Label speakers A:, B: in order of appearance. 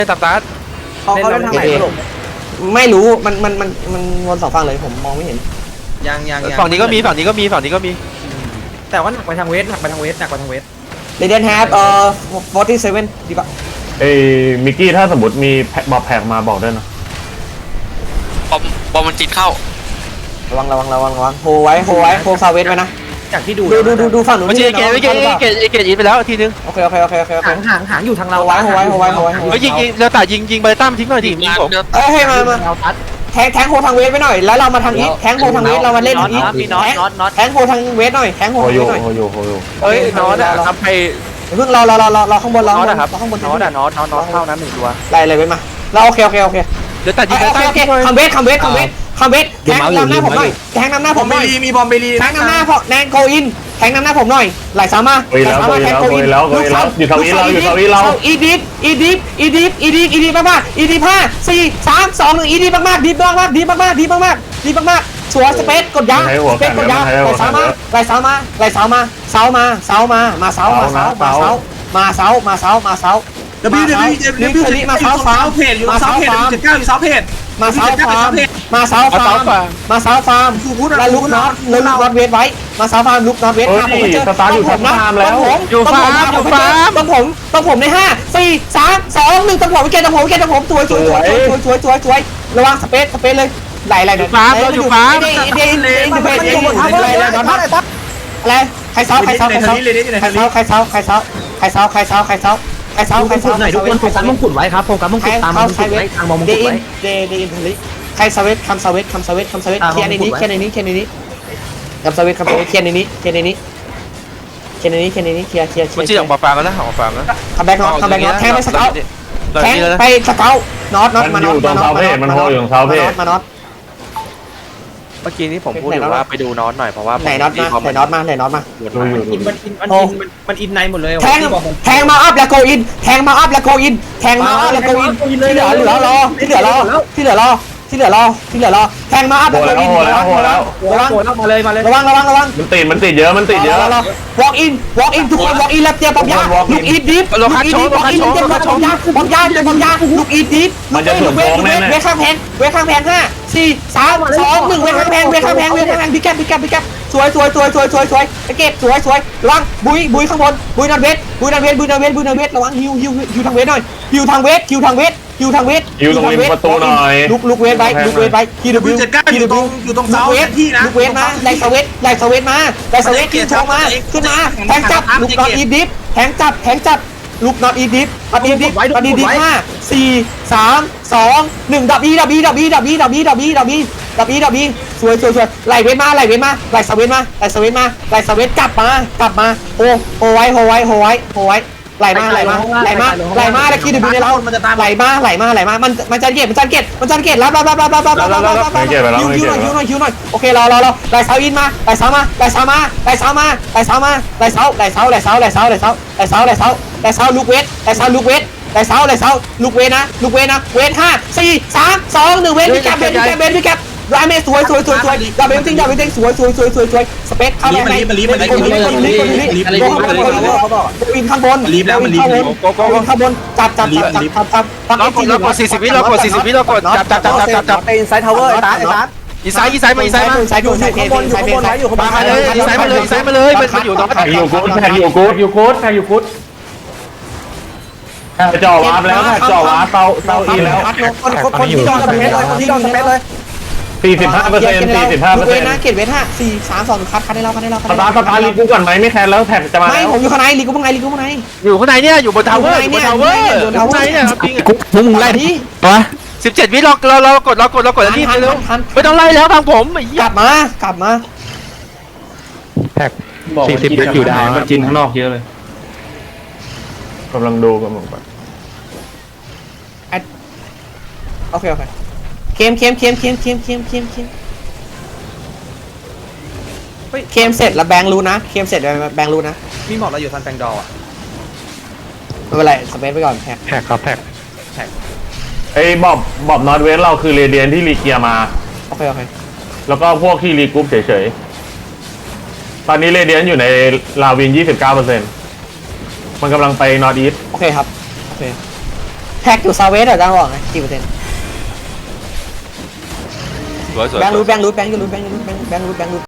A: ตับตาร์ท
B: เขาเล่นทางไหนสรุป
C: ไม่รู้มันวนสองฝั่งเลยผมมองไม่เห็น
B: ยัง
A: ฝั่งนี้ก็มีฝั่งนี้ก็มี
B: แต่ว่าหนักไปทางเวสหนักไปทางเวส
C: เรเดนแฮป47ดีป่ะ
D: เอ้มิกกี้ถ้าสมมติมีบอกแพ็กมาบอกด้วยนะ
E: บอมมันจิตเข้า
C: ระวังโฮไว้โฮซาเวสไว้นะ
B: จากที่ดู
C: ดูฝั่งนู้น
A: ไม่ใช่เกตยิงไปแล้วทีนึง
C: โอเค
B: หางอยู่ทางเรา
C: โฮไว้
A: เฮ้ยยิงเราตัดยิงไปตั้มทิ้งหน่อยดิยิงผม
C: เอ้ยให้มา
B: เราทัด
C: แทงโฮทางเวสไปหน่อยแล้วเรามาทางอีทแทงโฮทางเวสเรามาเล่นอีทแทงโฮทางเวสหน่อยแทงโฮ
D: โฮ
C: ทาง
D: อ
C: เว
D: ยู่
C: สหน่อย
D: โฮอยู่
A: เฮ้ยน็อตอะทำไป
C: เพิ่งเราข้างบนเรา
A: น็อตอะครับ
C: ข้างบน
A: น็อตอะน็อตเท่านั้น1ตัว
C: ไล่เวสมาเราโอเค
A: เดี๋ยวตัดยิงไปตั้ม
C: คัมเวสแทงนำหน้าผมหน่อยแทงนำหน้าผมหน่อย
B: มีบอมเบลี
C: แทงนำหน้าพอแนนโกอินแทงนำหน้าผมหน่อยไหลสามารถ
D: โกยแล้วอยู่ทางนี้เรา
C: อีดิฟมากอีดิฟ5 4 3 2 1อีดิฟมากดีมากสวยสเปซกดยาสเปซกดยาไหลสามารถเสามาเสามาเสามาเสา
B: เดี๋ยวพี่มาเสาฟ้าเพจอยู่เสาเพจ79อยู่เสาเพจ
C: มาเสาฟาร์มแล้วลุกน็อตเวทไว้มาเสาฟาร์มลุกน็อตเวท
D: สตาร์อยู่ฟาร์มแล้ว
C: ต้องผมใน5 4 3 2 1ต้องผมเกตต้องผมสวยระวังสเปซเลยไหลอยู่ฟาร์มอะไรใครเสา
B: ไหนทุกคนโฟกัสมงกุฎไว้ครับโฟกัสมงกุฎตามมงกุฎไว้ทางมงกุฎไว้
C: เดอินทลิใครสเวทคัมสเวทเคลียร์ในนี้คัมสเวทเคลียร์ในนี้เคลียร์เคลียร์
A: มันจีออกมาฟาร์มแล้วนะออกมาฟาร์มแล้ว
C: คัมแบ็กน็อตแทงไปสเกลแทงไปสเกลน็อต
D: มันอยู่ตรงเสาเพจมันโฮอยู่ตรงเสาเพจ
C: มาน็อต
A: เมื่อกี้นี้ผมพูดอยู่ว่าไปดูน็อตหน่อยเพราะว่า
C: ไหนน็อตมา
B: มันอินในหมดเลย
C: แทงมาอัพแล้วโกอินแทงมาอัพแล้วโกอินที่เหลือรอแทงมาอัพแล้วโกอินระวัง
B: มาเลย
C: ระวัง
D: มันติดเยอะ
C: walk in ทุกคน walk in แล้วเตรียมปั๊มยาลูกอีทดิฟลูกอีทดิฟปั๊มยาลูกอีทดิฟเวข้างแพง5 4 3 2 1เวข้างแพงพิกแกปสวยเก็บสวยระวังบุยข้างบนบุยนอนเวทระวังฮิวทางเวทหน่อยฮิวทางเวท
D: ประตูหน่อย
C: ลูกเวทไว้คีดบิว
B: อยู่ตรงเสาที่นะ
C: ลูกเวทมาไล่สเวทขึ้นโชว์มาขึ้นมาแทงจับลูกน็อตอีดิฟแทงจับลูกน็อตอีดิฟ5 4 3 2 1ดับบีสวยไหลเวทมาไหลสเวทกลับมาโฮไว้ไหลมาแล้วคีดบิวในเราไหลมามันจะเก็บรับฮิวหน่อยโอเครอไหลเสาอินมาไหลเสามาลูกเวทนะเวท5 4 3 2 1เวทพี่แกไรเมสวยดับเบิลติ้งสวยสเปซเข้าไปลีฟข้างบนข้างบนจับ
A: เรากด40 วิเรากดจับ
B: อินไซด์ทาวเวอร์ไอ้ตา
A: อีไซด์มา
C: อยู่ข้างบน
A: มาเลยอีไซด์มาเลยมันอยู่ตรง
D: แพ็กอยู่กูดจ่อวาร์ปแล้วจ่อวาร์ปเตาอีแล้ว
B: คนที่จอดสเปซเลย
D: 45%
C: เวทนะเกตเวท5 4 3 2คัดให้เรา
D: สตาร์ลีกูก่อนไหมไม่แคร์แล้วแท็กจะมา
C: ไม่ผมอยู่ข้างในลีกูข้างใน
A: อยู่ข้างในเนี่ยอยู่บนทาวเวอร์ข้างในเนี่ยครับพี่
C: มึงไล่ดิวะ
A: 17 วิเรากดแล้วนี่เร็วไม่ต้องไล่แล้วทางผม
C: กลับมา
D: แท็ก40อยู่ได้มันจินข้างนอกเยอะเลยกำลังดูกันหมด
C: โอเคเคมเสร็จแล้วแบงรู้นะเคมเสร็จแบงรู้นะ
B: มีหมอกเราอยู่ทันแปงดออ่ะ
C: ไม่เป็นไรสเปซไปก่อนแท็ก
D: ไอ้บอบนอตเวสเราคือเรเดียนที่รีเกียมา
C: โอเค
D: แล้วก็พวกที่รีกรุ๊ปเฉยๆตอนนี้เรเดียนอยู่ในลาวิน 29%มันกำลังไปนอร์ทอีส
C: โอเคครับโอเคแท็กอยู่ซาเวสเหรอจ้าบอกไงกี่เปอร์เซ็นต์
A: สวยสวย
C: แบงค์รูท